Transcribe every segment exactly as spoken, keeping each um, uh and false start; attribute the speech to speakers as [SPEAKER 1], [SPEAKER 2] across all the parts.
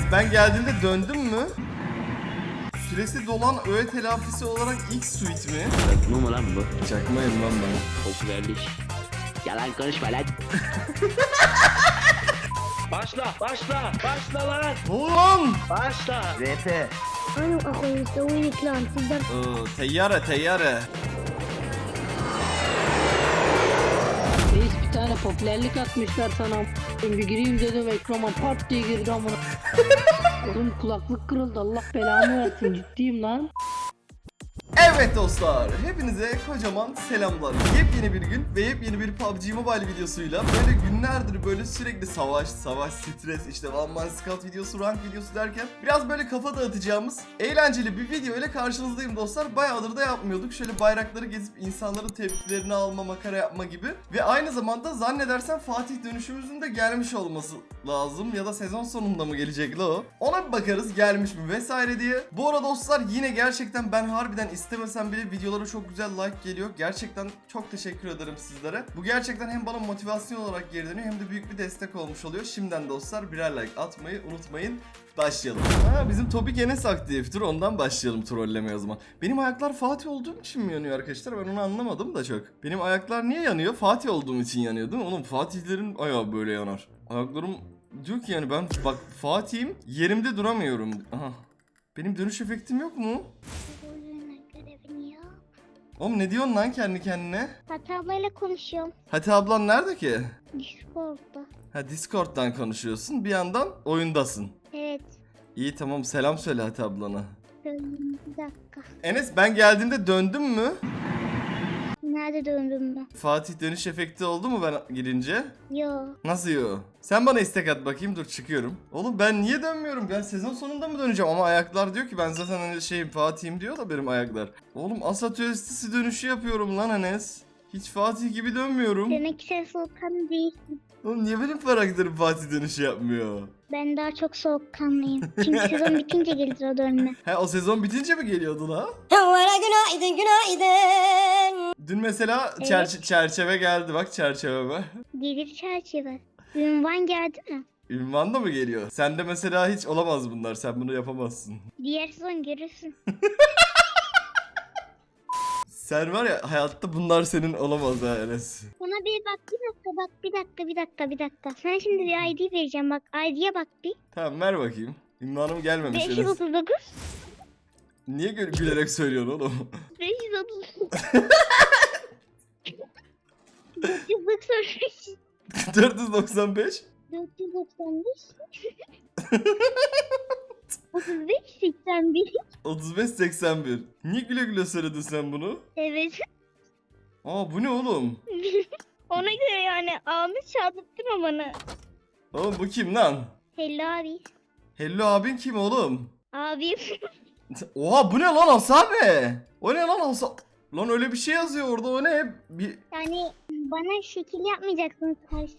[SPEAKER 1] ben geldiğimde döndüm mü? Süresi dolan öğe telafisi olarak ilk suite mi?
[SPEAKER 2] Çakma mı lan bu?
[SPEAKER 1] Çakmayım lan ben.
[SPEAKER 2] Popülerlik. Yalan konuşma lan. Başla, başla, başla lan.
[SPEAKER 1] Ulan!
[SPEAKER 2] Başla.
[SPEAKER 3] R P.
[SPEAKER 4] انا واخوي مسوين كلان تقدر
[SPEAKER 1] Oo, teyyare teyyare.
[SPEAKER 5] Reis bir tane popülerlik atmışlar sana. Bir gireyim dedim ekrana pat diye girdi amına. Oğlum kulaklık kırıldı, Allah belamı versin, ciddiyim lan.
[SPEAKER 1] Evet dostlar, hepinize kocaman selamlar. Yepyeni bir gün ve yepyeni bir P U B G Mobile videosuyla böyle günlerdir böyle sürekli savaş, savaş, stres, işte One Man Scout videosu, rank videosu derken biraz böyle kafa dağıtacağımız eğlenceli bir video ile karşınızdayım dostlar. Bayağıdır da yapmıyorduk. Şöyle bayrakları gezip insanların tepkilerini alma, makara yapma gibi. Ve aynı zamanda zannedersem Fatih dönüşümüzün de gelmiş olması lazım. Ya da sezon sonunda mı gelecek la o? Ona bir bakarız gelmiş mi vesaire diye. Bu arada dostlar yine gerçekten ben harbiden istemesem bile videolara çok güzel like geliyor. Gerçekten çok teşekkür ederim sizlere. Bu gerçekten hem bana motivasyon olarak geri dönüyor hem de büyük bir destek olmuş oluyor. Şimdiden dostlar birer like atmayı unutmayın. Başlayalım. Ha, bizim Topik Enes aktiftir. Ondan başlayalım trollemeye o zaman. Benim ayaklar Fatih olduğum için mi yanıyor arkadaşlar? Ben onu anlamadım da çok. Benim ayaklar niye yanıyor? Fatih olduğum için yanıyor değil mi? Oğlum Fatihlerin ayağı böyle yanar. Ayaklarım diyor ki yani ben bak Fatih'im, yerimde duramıyorum. Aha. Benim dönüş efektim yok mu?
[SPEAKER 4] görevini yap.
[SPEAKER 1] Oğlum ne diyorsun lan kendi kendine?
[SPEAKER 4] Fatih ablayla konuşuyorum.
[SPEAKER 1] Hati ablan nerede ki?
[SPEAKER 4] Discord'da.
[SPEAKER 1] Ha, Discord'dan konuşuyorsun. Bir yandan oyundasın.
[SPEAKER 4] Evet.
[SPEAKER 1] İyi tamam, selam söyle Hati ablana.
[SPEAKER 4] Döndüm bir dakika.
[SPEAKER 1] Enes ben geldiğimde döndüm mü?
[SPEAKER 4] Nerede döndüm ben?
[SPEAKER 1] Fatih dönüş efekti oldu mu ben girince?
[SPEAKER 4] Yo.
[SPEAKER 1] Nasıl yo? Sen bana istek at bakayım, dur çıkıyorum. Oğlum ben niye dönmüyorum? Ben sezon sonunda mı döneceğim? Ama ayaklar diyor ki ben zaten hani şeyim Fatih'im diyor da benim ayaklar. Oğlum Asat Östisi dönüşü yapıyorum lan Enes. Hiç Fatih gibi dönmüyorum.
[SPEAKER 4] Demek ki sen soğukkanlı değilsin.
[SPEAKER 1] Oğlum niye benim karakterim Fatih dönüşü yapmıyor?
[SPEAKER 4] Ben daha çok soğukkanlıyım. Çünkü sezon bitince gelir o dönme.
[SPEAKER 1] He, o sezon bitince mi geliyordu la?
[SPEAKER 6] Günaydın, günaydın.
[SPEAKER 1] Dün mesela
[SPEAKER 4] Evet.
[SPEAKER 1] çerçe- çerçeve geldi, bak çerçeveme.
[SPEAKER 4] Gelir çerçeve. Ünvan geldi mi?
[SPEAKER 1] Ünvan da mı geliyor? Sende mesela hiç olamaz bunlar, sen bunu yapamazsın.
[SPEAKER 4] Diğer sezon görürsün.
[SPEAKER 1] Sen var ya, hayatta bunlar senin olamaz ha Enes.
[SPEAKER 4] Bana bir bak, bir dakika bak, bir dakika, bir dakika, bir dakika. Sana şimdi bir I D vereceğim, bak I D'ye bak bir.
[SPEAKER 1] Tamam ver bakayım. Ünvanım gelmemiş
[SPEAKER 4] beş yüz
[SPEAKER 1] Enes.
[SPEAKER 4] otuz dokuz.
[SPEAKER 1] Niye gül- gülerek söylüyorsun oğlum?
[SPEAKER 4] beş yüz otuz dokuz. dört yüz doksan beş.
[SPEAKER 1] dört yüz doksan beş.
[SPEAKER 4] dört yüz doksan beş. otuz beş seksen bir.
[SPEAKER 1] otuz beş seksen bir. Niye güle güle söyledin sen bunu?
[SPEAKER 4] Evet.
[SPEAKER 1] Aa bu ne oğlum?
[SPEAKER 4] Ona göre yani ağını çaldırtma bana.
[SPEAKER 1] Oğlum bu kim lan?
[SPEAKER 4] Hello abi.
[SPEAKER 1] Hello abin kim oğlum?
[SPEAKER 4] Abim.
[SPEAKER 1] Oha bu ne lan Hasabe? O ne lan Hasabe? Lan öyle bir şey yazıyor orada, o ne? Bir...
[SPEAKER 4] Yani bana şekil yapmayacaksın karşı.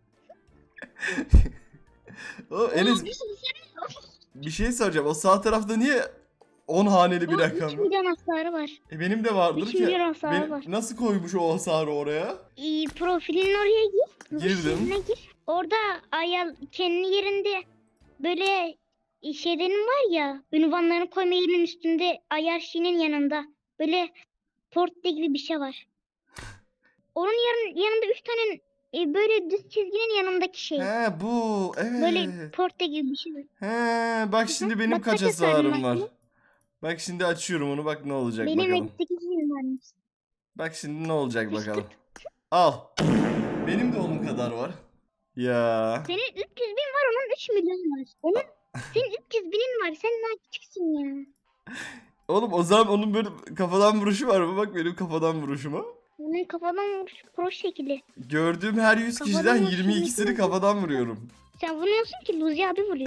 [SPEAKER 1] O Enes
[SPEAKER 4] Oğlum, bir şey söyleyeyim.
[SPEAKER 1] bir şey soracağım. O sağ tarafta niye on haneli bir
[SPEAKER 4] Onun
[SPEAKER 1] rakam?
[SPEAKER 4] üç milyon hasarı var.
[SPEAKER 1] E benim de vardır
[SPEAKER 4] üç
[SPEAKER 1] ki.
[SPEAKER 4] milyon hasarı
[SPEAKER 1] Benim-
[SPEAKER 4] var.
[SPEAKER 1] nasıl koymuş o hasarı oraya?
[SPEAKER 4] İyi, profilin oraya gir.
[SPEAKER 1] Girdim.
[SPEAKER 4] Profiline gir. Orada ayal kendi yerinde böyle şeylerin var ya, ünvanlarını koyma yerinin üstünde ayar şeyinin yanında böyle portre gibi bir şey var. Onun yarın, yanında üç tane e, böyle düz çizginin yanındaki şey.
[SPEAKER 1] He bu evet.
[SPEAKER 4] Böyle portre gibi bir şey var.
[SPEAKER 1] He bak şimdi benim
[SPEAKER 4] Bak,
[SPEAKER 1] kaç
[SPEAKER 4] kaç hasarım
[SPEAKER 1] hasarım
[SPEAKER 4] var
[SPEAKER 1] var.
[SPEAKER 4] senin?
[SPEAKER 1] Bak şimdi açıyorum onu, bak ne olacak
[SPEAKER 4] Benim
[SPEAKER 1] bakalım.
[SPEAKER 4] elli sekiz bin varmış.
[SPEAKER 1] Bak şimdi ne olacak bakalım. Al. Benim de onun kadar var. Ya.
[SPEAKER 4] Senin üç yüz bin var, onun üç milyon var. Onun senin üç yüz binin var. Sen daha küçüksün ya.
[SPEAKER 1] Oğlum o zaman onun böyle kafadan vuruşu var mı? Bak benim kafadan vuruşuma.
[SPEAKER 4] Onun kafadan vuruş pro şekli.
[SPEAKER 1] Gördüğüm her yüz
[SPEAKER 4] Kafadan
[SPEAKER 1] kişiden
[SPEAKER 4] vuruşu
[SPEAKER 1] yirmi ikisini
[SPEAKER 4] yapıyor.
[SPEAKER 1] kafadan vuruyorum.
[SPEAKER 4] Sen vuruyorsun ki Luzi abi vuruyor.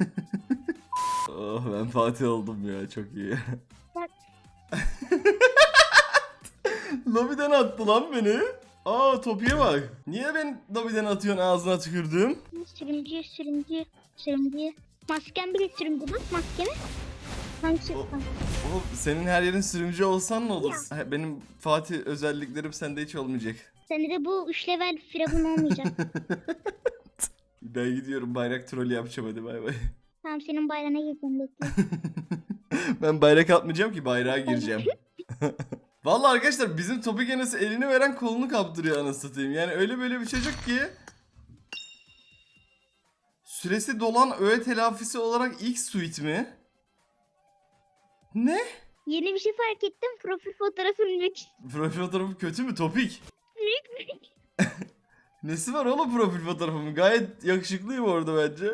[SPEAKER 1] Oh ben Fatih oldum ya, çok iyi.
[SPEAKER 4] Bak.
[SPEAKER 1] Lobiden attı lan beni. Aa Topi'ye bak. Niye ben lobiden atıyorsun, ağzına tükürdüm?
[SPEAKER 4] Sürümcü, sürümcü, sürümcü. Masken bile sürümcü, bak maskeme. Hangisi?
[SPEAKER 1] O- Oğlum senin her yerin sürümcü olsan ne olur? Ha, benim Fatih özelliklerim sende hiç olmayacak.
[SPEAKER 4] Sende de bu üç level firavun olmayacak.
[SPEAKER 1] Ben gidiyorum, bayrak trolü yapacağım, hadi bay bay.
[SPEAKER 4] Tamam senin bayrağına gireceğim bekle.
[SPEAKER 1] Ben bayrak atmayacağım ki, bayrağa gireceğim. Vallahi arkadaşlar bizim Topik Enes'e elini veren kolunu kaptırıyor anasını satayım. Yani öyle böyle bir çocuk ki. Süresi dolan öğe telafisi olarak ilk suite mi? Ne?
[SPEAKER 4] Yeni bir şey fark ettim. Profil fotoğrafın büyük.
[SPEAKER 1] Profil fotoğrafı kötü mü Topik? Nesi var oğlum profil fotoğrafımın? Gayet yakışıklıyım orada bence.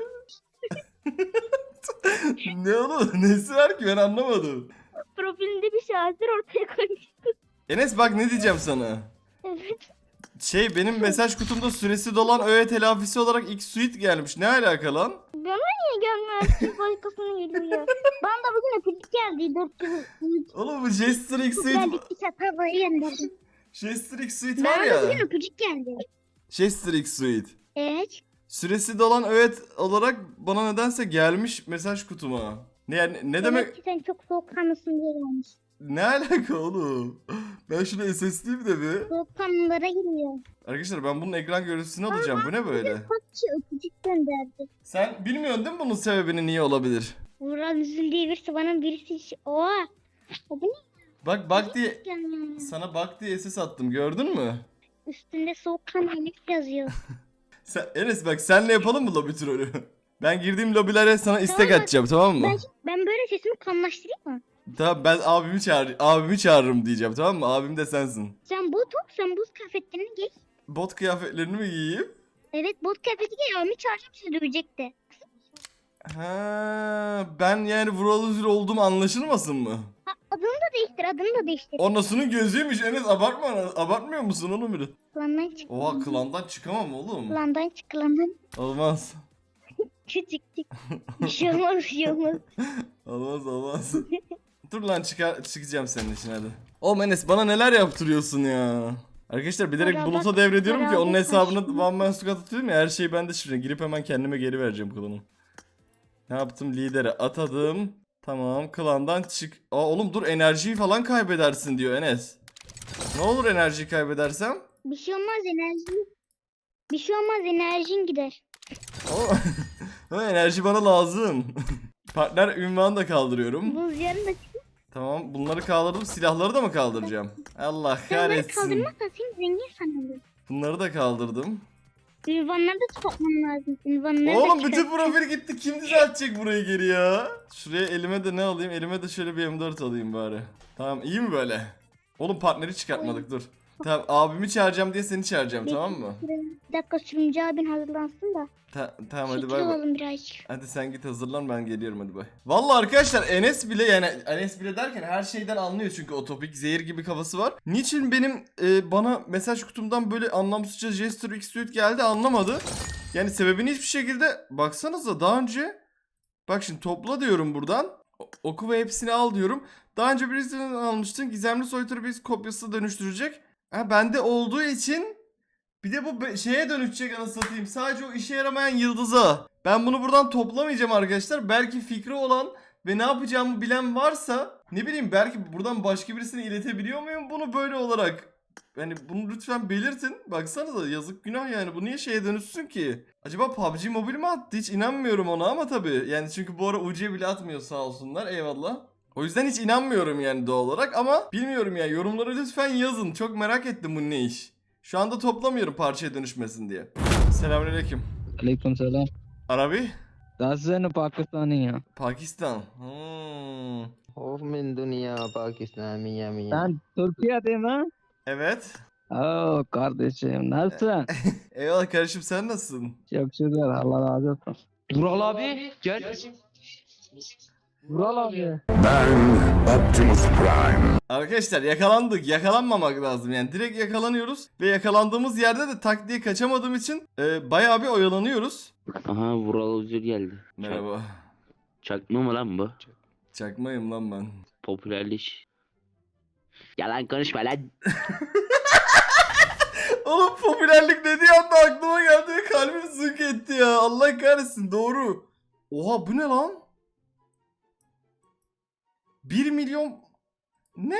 [SPEAKER 1] Ne oğlum? Nesi var ki ben anlamadım.
[SPEAKER 4] Profilinde bir şaheser ortaya koymuştun.
[SPEAKER 1] Enes bak ne diyeceğim sana.
[SPEAKER 4] Evet.
[SPEAKER 1] Şey benim mesaj kutumda süresi dolan öğe telafisi olarak ilk suite gelmiş. Ne alaka lan?
[SPEAKER 4] Bana niye gelmiyor? Siz başkasına geliyor. Bana da bugün öpücük geldi. dört yüz.
[SPEAKER 1] Oğlum bu Jester X suite,
[SPEAKER 4] Geldik bir çatabaya gönderdim.
[SPEAKER 1] Jester X suite var
[SPEAKER 4] Bana da bugün
[SPEAKER 1] ya.
[SPEAKER 4] öpücük geldi.
[SPEAKER 1] Jester X suite.
[SPEAKER 4] Evet.
[SPEAKER 1] Süresi dolan öğe olarak bana nedense gelmiş mesaj kutuma. Ne yani ne demek?
[SPEAKER 4] Demek ki sen çok soğukkanlısın diye gelmiş.
[SPEAKER 1] Ne alaka oğlum? Ben şunu S S D'yim de bir.
[SPEAKER 4] Soğukkanlılara giriyor.
[SPEAKER 1] Arkadaşlar ben bunun ekran görüntüsünü alacağım. Bu ne böyle?
[SPEAKER 4] Patçı öpücük gönderdi.
[SPEAKER 1] Sen bilmiyorsun değil mi bunun sebebini niye olabilir?
[SPEAKER 4] Vural Üzül diye birisi bana birisi... Oha. O bu ne?
[SPEAKER 1] Bak bak diye
[SPEAKER 4] Yani?
[SPEAKER 1] sana bak diye S S attım gördün mü?
[SPEAKER 4] Üstünde soğukkanlı Enes yazıyor.
[SPEAKER 1] Sen, Enes bak senle yapalım mı lobi trolü? Ben girdiğim lobilere sana istek
[SPEAKER 4] Tamam.
[SPEAKER 1] atacağım tamam mı?
[SPEAKER 4] Ben, ben böyle sesimi kanlaştırayım mı?
[SPEAKER 1] Tamam ben abimi çağır abimi çağırırım diyeceğim tamam mı? Abim de sensin.
[SPEAKER 4] Sen bot ol, sen buz kıyafetlerini giy.
[SPEAKER 1] Bot kıyafetlerini mi giyeyim?
[SPEAKER 4] Evet bot kıyafeti giy, abimi çağıracağım sizi dövecekti.
[SPEAKER 1] Ha, ben yani Vural Üzül olduğum anlaşılmasın mı?
[SPEAKER 4] Ha, adını da değiştir, adını da değiştir.
[SPEAKER 1] Onasının gözüymüş Enes abartma abartmıyor musun onu biri?
[SPEAKER 4] Klandan çık.
[SPEAKER 1] Oha klandan çıkamam oğlum.
[SPEAKER 4] Klandan çık, klandan.
[SPEAKER 1] Olmaz.
[SPEAKER 4] Küçük çık. Bir şey olmaz, bir şey olmaz.
[SPEAKER 1] Olmaz olmaz. Dur lan çıkar, çıkacağım senin için hadi. Oğlum Enes bana neler yaptırıyorsun ya. Arkadaşlar bilerek
[SPEAKER 4] Beraber-
[SPEAKER 1] Bulut'a devrediyorum ki
[SPEAKER 4] beraber
[SPEAKER 1] onun hesabını
[SPEAKER 4] karşılayalım.
[SPEAKER 1] One Man Squad atıyorum ya her şeyi ben de şimdi girip hemen kendime geri vereceğim klanı. Ne yaptım lidere atadım. Tamam klandan çık. Aa oğlum dur enerjiyi falan kaybedersin diyor Enes. Ne olur enerjiyi kaybedersem?
[SPEAKER 4] Bir şey olmaz enerji. Bir şey olmaz enerjin gider.
[SPEAKER 1] Ama, ama enerji bana lazım. Partner ünvanı da kaldırıyorum.
[SPEAKER 4] Buz yarın da çık.
[SPEAKER 1] Tamam bunları kaldırdım silahları da mı kaldıracağım? Allah
[SPEAKER 4] Sen bunları
[SPEAKER 1] kahretsin.
[SPEAKER 4] kaldırmazsan seni zengin sanırım.
[SPEAKER 1] Bunları da kaldırdım.
[SPEAKER 4] Ünvanları da çıkartmam lazım. Ünvanları
[SPEAKER 1] Oğlum
[SPEAKER 4] da
[SPEAKER 1] bütün
[SPEAKER 4] çıkart.
[SPEAKER 1] profil gitti. Kim düzeltecek burayı geri ya? Şuraya elime de ne alayım? Elime de şöyle bir M dört alayım bari. Tamam iyi mi böyle? Oğlum partneri çıkartmadık dur. Tamam abimi çağıracağım diye seni çağıracağım tamam mı?
[SPEAKER 4] Bir dakika sürümcü abin hazırlansın da.
[SPEAKER 1] Ta- tamam hadi
[SPEAKER 4] Şekil
[SPEAKER 1] bay bay.
[SPEAKER 4] olalım birazcık.
[SPEAKER 1] Hadi sen git hazırlan ben geliyorum hadi bay. Vallahi arkadaşlar Enes bile yani Enes bile derken her şeyden anlıyor çünkü o topik zehir gibi kafası var. Niçin benim e, bana mesaj kutumdan böyle anlamsızca Jester X Suite geldi anlamadı. Yani sebebini hiçbir şekilde baksanıza daha önce bak şimdi topla diyorum buradan. O- Oku ve hepsini al diyorum. Daha önce birisinden almıştın. Gizemli soytarı bir kopyası dönüştürecek. Ha bende olduğu için bir de bu be- şeye dönüşecek anasını satayım. Sadece o işe yaramayan yıldıza. Ben bunu buradan toplamayacağım arkadaşlar. Belki fikri olan ve ne yapacağımı bilen varsa ne bileyim belki buradan başka birisine iletebiliyor muyum bunu böyle olarak? Yani bunu lütfen belirtin. Baksanıza yazık günah yani. Bu niye şeye dönüşsün ki? Acaba P U B G Mobile mi attı? Hiç inanmıyorum ona ama tabii. Yani çünkü bu ara U C bile atmıyor sağ olsunlar. Eyvallah. O yüzden hiç inanmıyorum yani doğal olarak ama bilmiyorum ya. Yorumlara lütfen yazın. Çok merak ettim bu ne iş. Şu anda toplamıyorum parçaya dönüşmesin diye. Selamünaleyküm.
[SPEAKER 3] Alaikum salam.
[SPEAKER 1] Arabi?
[SPEAKER 3] Dassan Pakistani ya.
[SPEAKER 1] Pakistan. Hmm.
[SPEAKER 7] Of min dünya Pakistan miya miya.
[SPEAKER 3] Sen Türkiye'de mi?
[SPEAKER 1] Evet.
[SPEAKER 3] Oo kardeşim nasılsın?
[SPEAKER 1] Eyvallah kardeşim sen nasılsın?
[SPEAKER 3] Çok şükür Allah razı olsun.
[SPEAKER 2] Vural abi gel.
[SPEAKER 3] Vural abi.
[SPEAKER 1] Arkadaşlar yakalandık. Yakalanmamak lazım. Yani direkt yakalanıyoruz. Ve yakalandığımız yerde de tak diye kaçamadığım için e, bayağı bir oyalanıyoruz.
[SPEAKER 2] Aha Vural Üzül geldi.
[SPEAKER 1] Merhaba.
[SPEAKER 2] Çakma mı lan bu?
[SPEAKER 1] Çakmayım lan ben.
[SPEAKER 2] Popülerleş. Yalan konuşma lan.
[SPEAKER 1] Oğlum popülerlik dediği anda aklıma geldi ve kalbim zınk etti ya. Allah kahretsin doğru. Oha bu ne lan? bir milyon... Ne?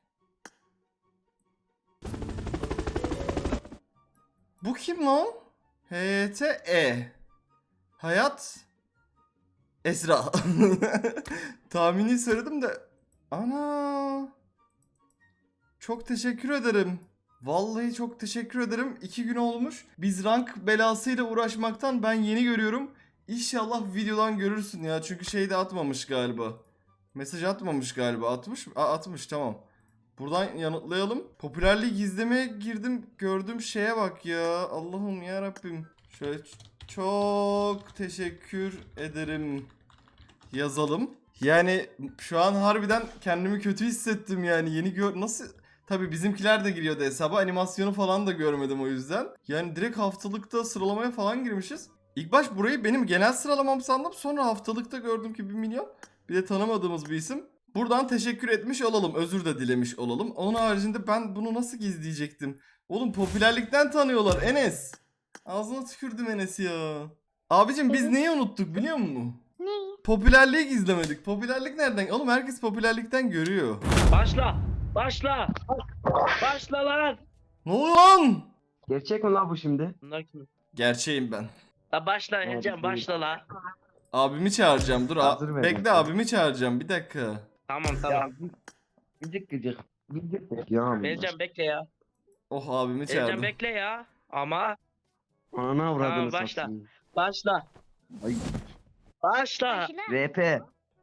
[SPEAKER 1] Bu kim lan? H T E Hayat Esra. Tahmini söyledim de. Ana. Çok teşekkür ederim. Vallahi çok teşekkür ederim. İki gün olmuş. Biz rank belasıyla uğraşmaktan ben yeni görüyorum. İnşallah videodan görürsün ya. Çünkü şeyde atmamış galiba. Mesaj atmamış galiba. Atmış mı? Aa, atmış, tamam. Buradan yanıtlayalım. Popülerliği gizlemeye girdim. Gördüğüm şeye bak ya. Allah'ım ya Rabbim. Şöyle ç- çok teşekkür ederim yazalım. Yani şu an harbiden kendimi kötü hissettim yani. Yeni gör... Nasıl... Tabii bizimkiler de giriyordu hesaba. Animasyonu falan da görmedim o yüzden. Yani direkt haftalıkta sıralamaya falan girmişiz. İlk baş burayı benim genel sıralamam sandım. Sonra haftalıkta gördüm ki bir milyon. Bir de tanımadığımız bir isim. Buradan teşekkür etmiş olalım. Özür de dilemiş olalım. Onun haricinde ben bunu nasıl gizleyecektim? Oğlum popülerlikten tanıyorlar Enes. Ağzına tükürdüm Enes ya. Abicim biz
[SPEAKER 4] Evet.
[SPEAKER 1] neyi unuttuk biliyor musun?
[SPEAKER 4] Neyi?
[SPEAKER 1] Popülerliği gizlemedik. Popülerlik nereden? Oğlum herkes popülerlikten görüyor.
[SPEAKER 2] Başla. Başla. Başla lan.
[SPEAKER 1] Ne oluyor lan?
[SPEAKER 7] Gerçek mi lan bu şimdi?
[SPEAKER 2] Bunlar kim?
[SPEAKER 1] Gerçeğim ben.
[SPEAKER 2] La başla
[SPEAKER 7] Evet,
[SPEAKER 2] Ercan
[SPEAKER 7] evet.
[SPEAKER 2] başla la.
[SPEAKER 1] Abimi çağıracağım. Dur.
[SPEAKER 7] Hazır
[SPEAKER 1] a-
[SPEAKER 7] ver
[SPEAKER 1] Bekle
[SPEAKER 7] bakalım.
[SPEAKER 1] abimi çağıracağım. Bir dakika.
[SPEAKER 2] Tamam tamam.
[SPEAKER 7] Gıcık gıcık. Gıcık ya.
[SPEAKER 2] Ercan bekle ya.
[SPEAKER 1] Oh abimi
[SPEAKER 2] Ercan
[SPEAKER 1] çağırdım.
[SPEAKER 2] bekle ya. Ama
[SPEAKER 7] Ana avradını
[SPEAKER 2] Tamam, başla.
[SPEAKER 7] satayım.
[SPEAKER 2] başla.
[SPEAKER 7] Ay.
[SPEAKER 2] Başla.
[SPEAKER 4] Başla.
[SPEAKER 7] R P.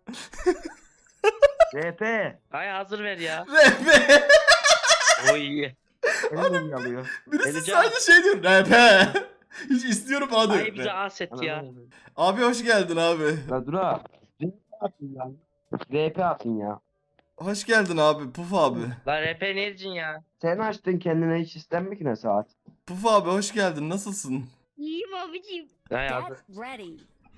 [SPEAKER 7] R P.
[SPEAKER 2] Hay hazır ver ya.
[SPEAKER 1] Rap.
[SPEAKER 2] Oy.
[SPEAKER 7] Elim yalıyor.
[SPEAKER 1] Birisi
[SPEAKER 2] Edeceğim.
[SPEAKER 1] sadece şey diyor. Rap. Hiç istiyorum adı.
[SPEAKER 2] Ay bize aset ya.
[SPEAKER 1] Abi hoş geldin abi.
[SPEAKER 7] La dur ha. R P atın ya. R P atın ya.
[SPEAKER 1] Hoş geldin abi. Puf abi.
[SPEAKER 2] La R P ne diyeceksin ya?
[SPEAKER 7] Sen açtın kendine hiç istenmek ne saat?
[SPEAKER 1] Puf abi hoş geldin. Nasılsın?
[SPEAKER 4] İyiyim abicim.
[SPEAKER 2] Hay hazır.
[SPEAKER 8] Ready.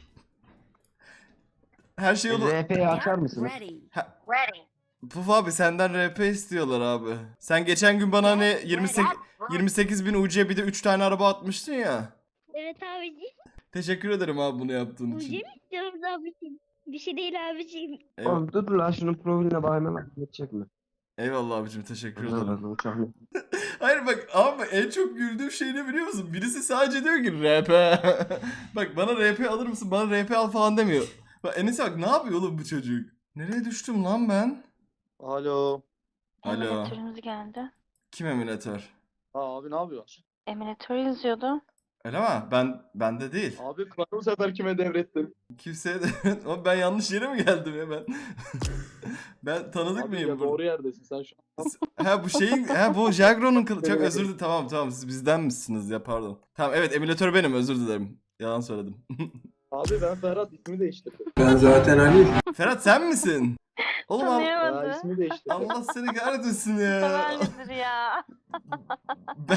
[SPEAKER 1] Her şey yolu.
[SPEAKER 7] R P'yi açar mısınız?
[SPEAKER 8] Ready.
[SPEAKER 1] Puf abi senden R P istiyorlar abi. Sen geçen gün bana hani yirmi sekiz yirmi sekiz bin U C bir de üç tane araba atmıştın ya.
[SPEAKER 4] Evet abicim.
[SPEAKER 1] Teşekkür ederim abi bunu yaptığın
[SPEAKER 4] Ucu
[SPEAKER 1] için.
[SPEAKER 4] mu istiyoruz abicim? Bir şey değil abicim.
[SPEAKER 1] Eyvallah,
[SPEAKER 7] Oğlum dur lan şunun profiline bakayım lan. Geçecek mi?
[SPEAKER 1] eyvallah abicim teşekkür ederim.
[SPEAKER 7] Anladım uçağım.
[SPEAKER 1] Hayır bak abi en çok güldüğüm şey ne biliyor musun? Birisi sadece diyor ki R P. Bak bana R P alır mısın? Bana R P al falan demiyor. Bak Enes'e bak ne yapıyor oğlum bu çocuk? Nereye düştüm lan ben?
[SPEAKER 9] Alo.
[SPEAKER 1] Alo.
[SPEAKER 10] Eminatörümüz geldi.
[SPEAKER 1] Kim emülatör?
[SPEAKER 9] Ha abi ne yapıyorsun?
[SPEAKER 10] Eminatör yazıyordu.
[SPEAKER 1] Öyle mi? Ben bende değil.
[SPEAKER 9] Abi planı bu sefer kime devrettin?
[SPEAKER 1] Kimseye de Ama ben yanlış yere mi geldim ya ben? Ben tanıdık
[SPEAKER 9] Abi
[SPEAKER 1] mıyım
[SPEAKER 9] ya,
[SPEAKER 1] burada?
[SPEAKER 9] doğru yerdesin sen şu an.
[SPEAKER 1] Ha bu şeyin ha bu Jagro'nun kılı. Çok
[SPEAKER 9] Evet.
[SPEAKER 1] özür dilerim. Tamam tamam siz bizden misiniz ya pardon. Tamam evet emülatör benim özür dilerim. Yalan söyledim.
[SPEAKER 9] Abi ben Ferhat ismini değiştirdim.
[SPEAKER 1] Ferhat sen misin? Oğlum al-
[SPEAKER 9] Ya
[SPEAKER 10] Tanıyamadı.
[SPEAKER 9] ismini değiştirdim.
[SPEAKER 1] Allah seni kahretmesin ya.
[SPEAKER 10] Severlidir ya.
[SPEAKER 1] Ben...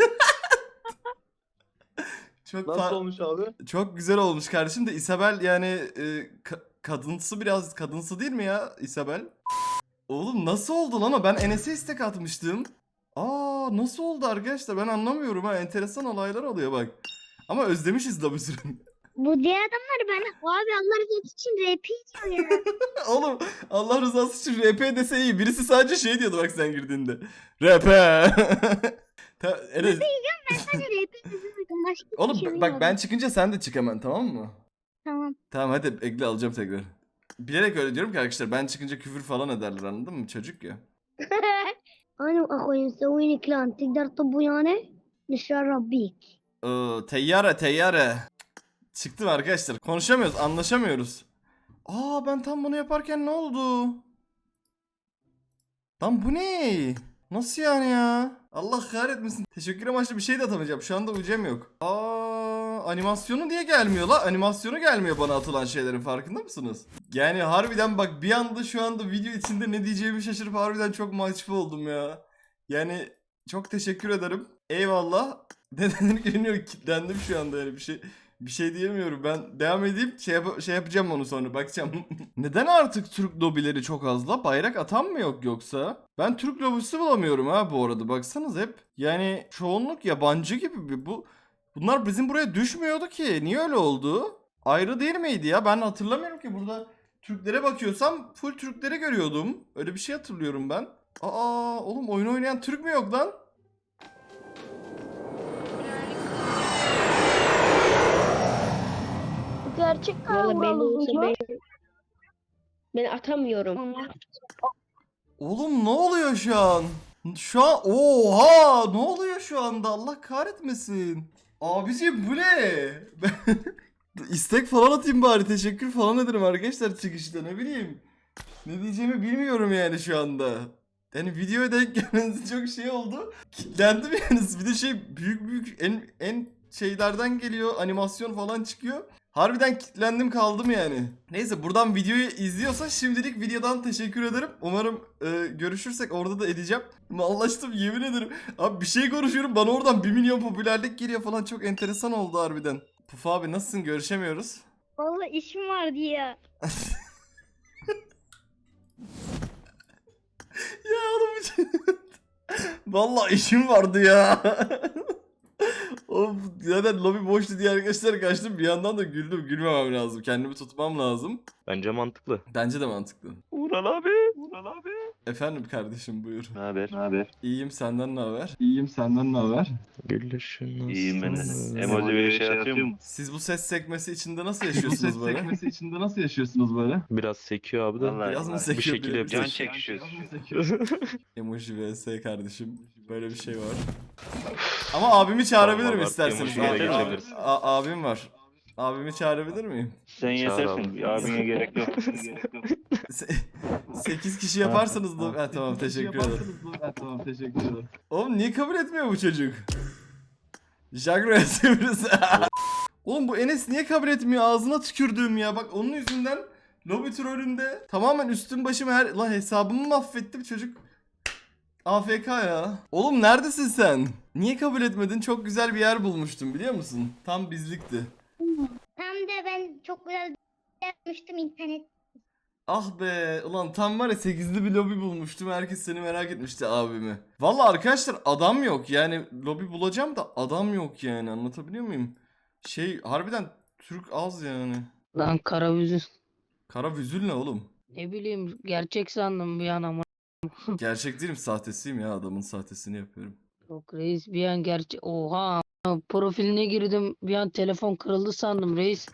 [SPEAKER 1] çok
[SPEAKER 9] Nasıl
[SPEAKER 1] fa-
[SPEAKER 9] olmuş abi?
[SPEAKER 1] çok güzel olmuş kardeşim de Isabel yani e, ka- kadınsı biraz kadınsı değil mi ya Isabel? Oğlum nasıl oldu lan o? Ben Enes'e istek atmıştım. Aa nasıl oldu arkadaşlar? Ben anlamıyorum ha. Enteresan olaylar oluyor bak. Ama özlemişiz da bir sürü.
[SPEAKER 4] Bu diğer adamlar ben abi Allah rızası için R P diyor ya.
[SPEAKER 1] Oğlum Allah rızası için R P dese iyi. Birisi sadece şey diyordu bak sen girdiğinde. R P. Ta- Enes,
[SPEAKER 4] Ben sadece R P yazıyordum. Başka bir
[SPEAKER 1] oğlum
[SPEAKER 4] şey
[SPEAKER 1] bak
[SPEAKER 4] bilmiyordum.
[SPEAKER 1] ben çıkınca sen de çık hemen tamam mı?
[SPEAKER 4] Tamam.
[SPEAKER 1] Tamam hadi ekle alacağım tekrar. Bilerek öyle diyorum ki arkadaşlar ben çıkınca küfür falan ederler anladın mı? Çocuk ya.
[SPEAKER 4] أنا وأخوي مسوين كلان تقدر تطب ويانا نشرب بيك.
[SPEAKER 1] Ee, teyyare teyyare. Çıktım arkadaşlar. Konuşamıyoruz, anlaşamıyoruz. Aa ben tam bunu yaparken ne oldu? Lan bu ne? Nasıl yani ya? Allah kahretmesin. Teşekkür amaçlı bir şey de atamayacağım. Şu anda ucem yok. Aa animasyonu niye gelmiyor la? Animasyonu gelmiyor bana atılan şeylerin farkında mısınız? Yani harbiden bak bir anda şu anda video içinde ne diyeceğimi şaşırıp harbiden çok mahcup oldum ya. Yani çok teşekkür ederim. Eyvallah. Nedenini görünüyor kilitlendim şu anda yani bir şey bir şey diyemiyorum. Ben devam edeyim şey, yap- şey yapacağım onu sonra bakacağım. Neden artık Türk lobileri çok az la? Bayrak atan mı yok yoksa? Ben Türk lobisi bulamıyorum ha bu arada baksanız hep. Yani çoğunluk yabancı gibi bir bu. Bunlar bizim buraya düşmüyordu ki. Niye öyle oldu? Ayrı değil miydi ya? Ben hatırlamıyorum ki burada Türklere bakıyorsam full Türkleri görüyordum. Öyle bir şey hatırlıyorum ben. Aa oğlum oyun oynayan Türk mü yok lan?
[SPEAKER 4] Gel gerçek
[SPEAKER 8] Valla belli
[SPEAKER 4] Ural
[SPEAKER 8] olsa
[SPEAKER 4] uzuncu.
[SPEAKER 8] ben, ben atamıyorum.
[SPEAKER 1] Oğlum ne oluyor şu an? Şu an oha ne oluyor şu anda Allah kahretmesin. Abiciğim bu ne? Ben istek falan atayım bari teşekkür falan ederim arkadaşlar çıkışta ne bileyim. Ne diyeceğimi bilmiyorum yani şu anda. Yani videoya denk gelmeniz çok şey oldu. Kitlendim yani bir de şey büyük büyük en en şeylerden geliyor animasyon falan çıkıyor. Harbiden kitlendim kaldım yani. Neyse buradan videoyu izliyorsa şimdilik videodan teşekkür ederim. Umarım e, görüşürsek orada da edeceğim. Mallaştım yemin ederim. Abi bir şey konuşuyorum bana oradan bir milyon popülerlik geliyor falan çok enteresan oldu harbiden. Puf abi nasılsın görüşemiyoruz.
[SPEAKER 4] Valla işim vardı ya.
[SPEAKER 1] Ya oğlum için. Vallahi işim vardı ya. Of zaten lobi boştu diye arkadaşlar kaçtım bir yandan da güldüm gülmemem lazım kendimi tutmam lazım.
[SPEAKER 11] Bence mantıklı.
[SPEAKER 1] Bence de mantıklı.
[SPEAKER 11] Ural abi. Ural abi.
[SPEAKER 1] Efendim kardeşim buyur.
[SPEAKER 11] Ne haber? Ne haber?
[SPEAKER 1] İyiyim senden ne haber? İyiyim senden ne haber?
[SPEAKER 11] Gülüşün nasıl?
[SPEAKER 1] İyiyim ben de.
[SPEAKER 11] Emoji bir şey atıyor mu?
[SPEAKER 1] Siz bu ses sekmesi içinde nasıl yaşıyorsunuz böyle?
[SPEAKER 9] sekmesi içinde nasıl yaşıyorsunuz böyle?
[SPEAKER 11] Biraz sekiyor abi de.
[SPEAKER 1] Biraz mı
[SPEAKER 11] Bir
[SPEAKER 1] sekiyor?
[SPEAKER 11] şekilde
[SPEAKER 1] biraz?
[SPEAKER 11] yapacağız.
[SPEAKER 9] çekişiyoruz.
[SPEAKER 1] Emoji vs kardeşim. Böyle bir şey var. Ama abimi çağırabilirim
[SPEAKER 11] Tamam,
[SPEAKER 1] isterseniz.
[SPEAKER 11] emojiye
[SPEAKER 1] Abi-
[SPEAKER 11] geçebiliriz.
[SPEAKER 1] a- abim var. Abimi çağırabilir miyim?
[SPEAKER 11] Sen yetersin. Abine gerek yok.
[SPEAKER 1] sekiz kişi yaparsanız da... Ha, tamam teşekkür ederim.
[SPEAKER 9] Ha, tamam teşekkür ederim.
[SPEAKER 1] Oğlum niye kabul etmiyor bu çocuk? Jagro yazıyoruz. Oğlum bu Enes niye kabul etmiyor? Ağzına tükürdüğüm ya. Bak onun yüzünden lobby trollünde tamamen üstüm başım her... Lan hesabımı mahvettim çocuk. A F K ya. Oğlum neredesin sen? Niye kabul etmedin? Çok güzel bir yer bulmuştum biliyor musun? Tam bizlikti.
[SPEAKER 4] Tam da ben çok güzel bir şey yapmıştım internet.
[SPEAKER 1] Ah be ulan tam var ya sekizli bir lobi bulmuştum. Herkes seni merak etmişti abimi. Valla arkadaşlar adam yok yani lobi bulacağım da adam yok yani anlatabiliyor muyum? Şey harbiden Türk az yani.
[SPEAKER 5] Lan Karavüzü.
[SPEAKER 1] Kara vüzül ne oğlum?
[SPEAKER 5] Ne bileyim gerçek sandım bir an ama.
[SPEAKER 1] Gerçek değilim sahtesiyim ya adamın sahtesini yapıyorum.
[SPEAKER 5] Yok reis bir an gerçek. Oha. Profiline girdim bir an telefon kırıldı sandım reis.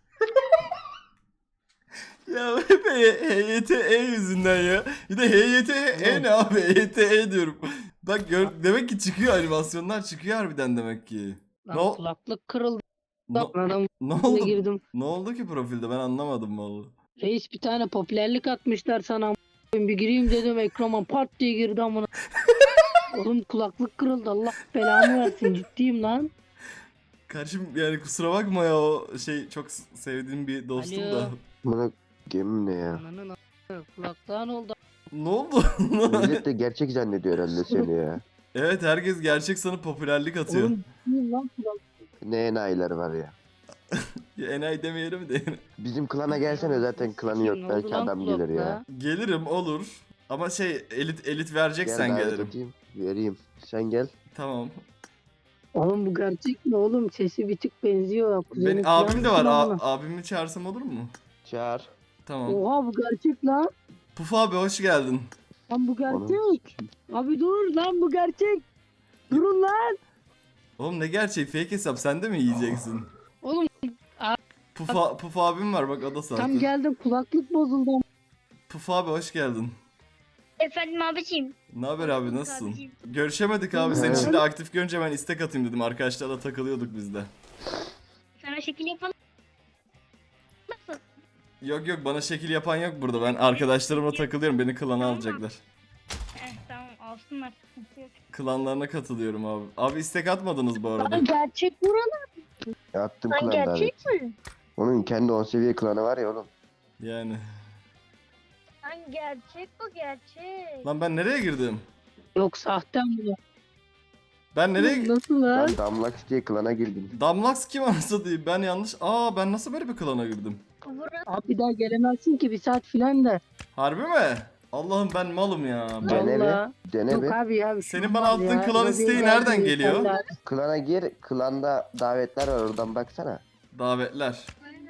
[SPEAKER 1] Ya hep H Y T E yüzünden ya. Bir de H Y T E ne abi? H Y T E diyorum. Bak gör, demek ki çıkıyor animasyonlar çıkıyor harbiden demek ki.
[SPEAKER 5] Lan
[SPEAKER 1] Ne o-
[SPEAKER 5] kulaklık kırıldı.
[SPEAKER 1] Ne,
[SPEAKER 5] Adam
[SPEAKER 1] ne
[SPEAKER 5] içine
[SPEAKER 1] oldu?
[SPEAKER 5] girdim.
[SPEAKER 1] Ne oldu ki profilde ben anlamadım vallahi.
[SPEAKER 5] Reis bir tane popülerlik atmışlar sana. Bir gireyim dedim ekrana pat diye girdi amına. Oğlum kulaklık kırıldı Allah belamı versin ciddiyim lan.
[SPEAKER 1] Kardeşim yani kusura bakma ya o şey çok s- sevdiğim bir dostum
[SPEAKER 5] Alo.
[SPEAKER 1] da.
[SPEAKER 7] Bana gemim ne ya?
[SPEAKER 5] Ananın a**ı, kulaklığa ne oldu?
[SPEAKER 1] Ne oldu?
[SPEAKER 7] Millet de gerçek zannediyor herhalde seni ya.
[SPEAKER 1] Evet herkes gerçek sanıp popülerlik atıyor.
[SPEAKER 5] Oğlum ciddiyim lan kulak.
[SPEAKER 7] Ne enayiler var ya.
[SPEAKER 1] Ya enayi demeyelim de.
[SPEAKER 7] Bizim klana gelsene zaten klanı yok.
[SPEAKER 5] Ne oldu
[SPEAKER 7] Belki
[SPEAKER 5] lan
[SPEAKER 7] adam gelir ya.
[SPEAKER 5] kulaklığa?
[SPEAKER 1] Gelirim olur. Ama şey elit elit vereceksen
[SPEAKER 7] Gel davet
[SPEAKER 1] gelirim.
[SPEAKER 7] edeyim, vereyim. Sen gel.
[SPEAKER 1] Tamam.
[SPEAKER 5] Oğlum bu gerçek mi oğlum? Sesi bir tık benziyor. Kuzenim
[SPEAKER 1] Benim
[SPEAKER 5] falan
[SPEAKER 1] abim de var.
[SPEAKER 5] falan
[SPEAKER 1] A-
[SPEAKER 5] mı?
[SPEAKER 1] abimi çağırsam olur mu?
[SPEAKER 7] Çağır.
[SPEAKER 1] Tamam.
[SPEAKER 5] Oha bu gerçek lan.
[SPEAKER 1] Puf abi hoş geldin.
[SPEAKER 5] Lan bu gerçek. Abi dur lan bu gerçek. Durun lan.
[SPEAKER 1] Oğlum ne gerçek fake hesap sen de mi yiyeceksin?
[SPEAKER 5] Oğlum
[SPEAKER 1] Puf, a- Puf abim var bak o da sahte.
[SPEAKER 5] tam geldim kulaklık bozuldu.
[SPEAKER 1] Puf abi hoş geldin.
[SPEAKER 4] Efendim abiciğim.
[SPEAKER 1] Ne haber abi nasılsın?
[SPEAKER 4] Abiciğim.
[SPEAKER 1] Görüşemedik abi seni
[SPEAKER 7] Evet.
[SPEAKER 1] şimdi aktif görünce ben istek atayım dedim. Arkadaşlarla takılıyorduk biz de.
[SPEAKER 4] Sana şekil yapalım. Nasıl?
[SPEAKER 1] Yok yok bana şekil yapan yok burada. Ben arkadaşlarımla takılıyorum. Beni klana alacaklar.
[SPEAKER 4] Eh, tamam alsınlar. Sıkıntı yok.
[SPEAKER 1] Klanlarına katılıyorum abi. Abi istek atmadınız bu arada.
[SPEAKER 4] Lan gerçek buralar.
[SPEAKER 7] Attım
[SPEAKER 4] Lan
[SPEAKER 7] klan
[SPEAKER 4] gerçek
[SPEAKER 7] davet.
[SPEAKER 4] mi?
[SPEAKER 7] Onun kendi on seviye klanı var ya oğlum.
[SPEAKER 1] Yani.
[SPEAKER 4] Lan gerçek bu gerçek.
[SPEAKER 1] Lan ben nereye girdim?
[SPEAKER 5] Yok sahte mi?
[SPEAKER 1] Ben nereye...
[SPEAKER 5] Nasıl lan?
[SPEAKER 7] Ben Damlax diye klana girdim.
[SPEAKER 1] Damlax kim anasını diyeyim? Ben yanlış... Aa ben nasıl böyle bir klana girdim?
[SPEAKER 4] Burası
[SPEAKER 5] Abi bir daha gelemezsin ki bir saat filan da.
[SPEAKER 1] Harbi mi? Allah'ım ben malım ya. Ben...
[SPEAKER 7] Dene
[SPEAKER 5] Vallahi.
[SPEAKER 7] bir. Dene
[SPEAKER 5] Yok
[SPEAKER 7] bir.
[SPEAKER 5] abi ya. bir
[SPEAKER 1] Senin
[SPEAKER 5] şey
[SPEAKER 1] bana
[SPEAKER 5] olmaz
[SPEAKER 1] attığın
[SPEAKER 5] ya.
[SPEAKER 1] klan
[SPEAKER 5] Lobiye
[SPEAKER 1] isteği
[SPEAKER 5] geldim,
[SPEAKER 1] nereden geliyor?
[SPEAKER 5] insanlar-
[SPEAKER 7] Klana gir. Klanda davetler var oradan baksana.
[SPEAKER 1] Davetler.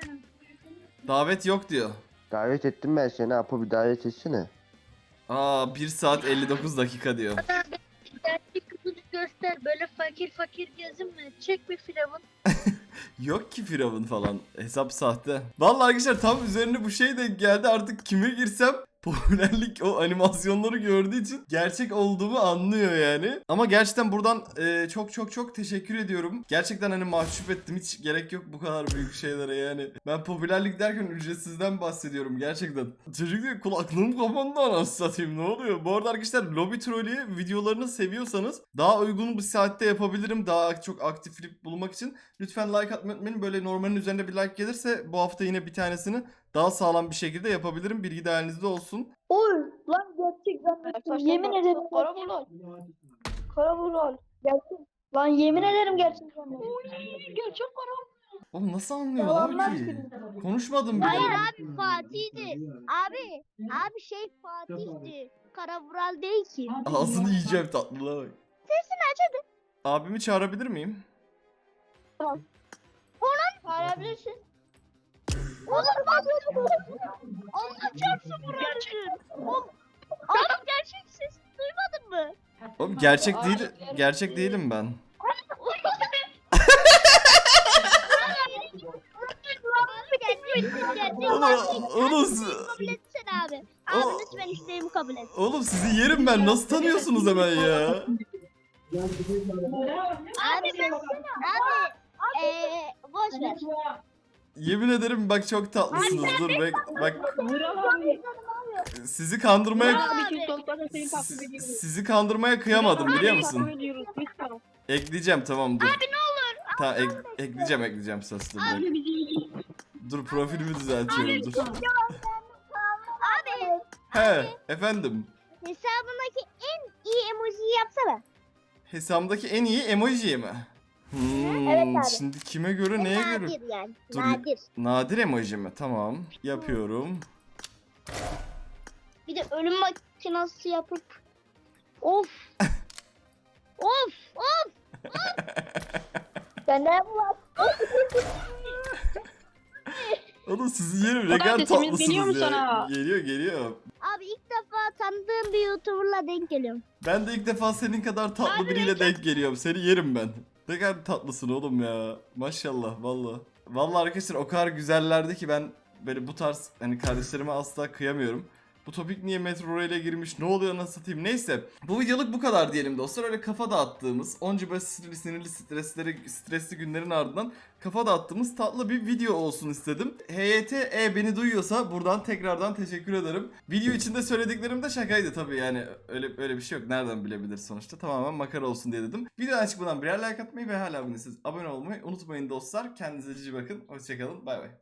[SPEAKER 1] Davet yok diyor.
[SPEAKER 7] Davet ettim ben seni. Apo bir davet etsene.
[SPEAKER 1] Aa bir saat elli dokuz dakika diyor.
[SPEAKER 4] gerçek kızını göster. Böyle fakir fakir gezinme. Çek bir firavun.
[SPEAKER 1] Yok ki Firavun falan. Hesap sahte. Vallahi arkadaşlar tam üzerine bu şey de geldi. Artık kime girsem popülerlik o animasyonları gördüğü için gerçek olduğumu anlıyor yani. Ama gerçekten buradan e, çok çok çok teşekkür ediyorum. Gerçekten hani mahcup ettim. Hiç gerek yok bu kadar büyük şeylere yani. Ben popülerlik derken ücretsizden bahsediyorum gerçekten. Çocuk diyor kulaklığım kapandı anasını satayım, ne oluyor? Bu arada arkadaşlar Lobby Trolley videolarını seviyorsanız daha uygun bir saatte yapabilirim. Daha çok aktiflik bulmak için. Lütfen like atmayı unutmayın. Böyle normalin üzerinde bir like gelirse bu hafta yine bir tanesini daha sağlam bir şekilde yapabilirim. Bilgi dahilinizde olsun.
[SPEAKER 8] Oy lan gerçekten. Yemin ederim. Karabulan. Karabulan. Gerçek. Lan yemin ederim gerçekten. Oy gerçek karabulan.
[SPEAKER 1] Oğlum nasıl anlıyorlar ki? Konuşmadım bile.
[SPEAKER 4] Hayır abi Fatih'ti. Abi. Abi şey Fatih'ti. Karavural değil ki.
[SPEAKER 1] Ağzını yiyeceğim tatlılığa bak.
[SPEAKER 4] Sesini aç hadi.
[SPEAKER 1] Abimi çağırabilir miyim?
[SPEAKER 4] Çağırabilirsin. Oğlum bak. Allah çarpsın burası. Oğlum. Adam gerçek ses duymadın mı?
[SPEAKER 1] Oğlum gerçek değil, gerçek değilim ben. Oğlum, oğlum,
[SPEAKER 4] Kabul etsene abi.
[SPEAKER 1] O-
[SPEAKER 4] Abi lütfen isteğimi kabul et.
[SPEAKER 1] oğlum sizi yerim ben. Nasıl tanıyorsunuz hemen ya?
[SPEAKER 4] Abi sen abi eee boş ver.
[SPEAKER 1] Yemin ederim bak çok tatlısınız. Dur bek bak. Sizi kandırmaya si- sizi kandırmaya kıyamadım biliyor musun? Ekleyeceğim tamam dur. Abi ne olur. Tamam ek- ekleyeceğim ekleyeceğim söz dur. bek. Dur profilimi düzeltiyorum dur.
[SPEAKER 4] Abi
[SPEAKER 1] He efendim.
[SPEAKER 4] hesabındaki en iyi emojiyi yapsana.
[SPEAKER 1] Hesabımdaki en iyi emoji mi? Hmm,
[SPEAKER 4] Evet abi.
[SPEAKER 1] şimdi kime göre neye göre?
[SPEAKER 4] Nadir yani.
[SPEAKER 1] Dur.
[SPEAKER 4] Nadir.
[SPEAKER 1] Nadir emoji mi? Tamam. Yapıyorum.
[SPEAKER 4] Bir de ölüm makinası yapıp of. of of. Ben ne var?
[SPEAKER 1] Oğlum sizi yerim ne kadar tatlısınız ya. Geliyor geliyor.
[SPEAKER 4] Abi ilk defa tanıdığım bir YouTuber'la denk geliyorum.
[SPEAKER 1] Ben de ilk defa senin kadar tatlı biriyle denk geliyorum. Seni yerim ben. Ne kadar tatlısın oğlum ya. Maşallah valla. Valla arkadaşlar o kadar güzellerdi ki ben böyle bu tarz hani kardeşlerime asla kıyamıyorum. Bu topik niye Metro Rail'e girmiş? Ne oluyor nasıl satayım? Neyse. Bu videoluk bu kadar diyelim dostlar. Öyle kafa dağıttığımız, onca böyle sinirli sinirli stresleri, stresli günlerin ardından kafa dağıttığımız tatlı bir video olsun istedim. H Y T E beni duyuyorsa buradan tekrardan teşekkür ederim. Video içinde söylediklerim de şakaydı tabii yani. Öyle öyle bir şey yok. Nereden bilebilir sonuçta? Tamamen makara olsun diye dedim. Videodan çıkmadan birer like atmayı ve hala abone değilseniz abone olmayı unutmayın dostlar. Kendinize iyi bakın. Hoşçakalın. Bay bay.